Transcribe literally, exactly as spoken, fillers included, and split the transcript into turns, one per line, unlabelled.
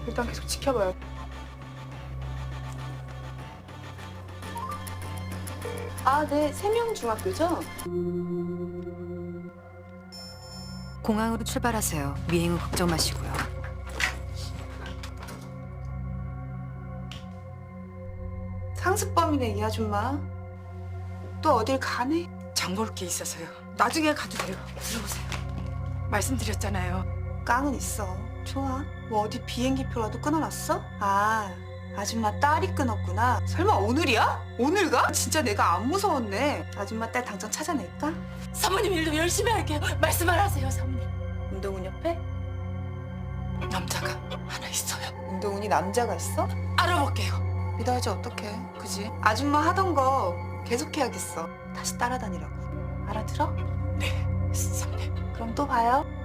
일단 계속 지켜봐요. 아, 네. 세명중학교죠?
공항으로 출발하세요. 미행은 걱정 마시고요.
상습범이네, 이 아줌마. 또 어딜 가네?
장 볼 게 있어서요. 나중에 가도 돼요. 들어오세요. 말씀드렸잖아요.
깡은 있어. 좋아. 뭐 어디 비행기표라도 끊어놨어? 아, 아줌마 딸이 끊었구나. 설마 오늘이야? 오늘 가? 진짜 내가 안 무서웠네. 아줌마 딸 당장 찾아낼까?
사모님 일도 열심히 할게요. 말씀만 하세요, 사모님.
운동훈 옆에?
남자가 하나 있어요.
운동훈이 남자가 있어?
알아볼게요.
믿어야지 어떡해. 그지? 아줌마 하던 거 계속해야겠어. 다시 따라다니라고. 알아들어?
네, 사모님.
그럼 또 봐요.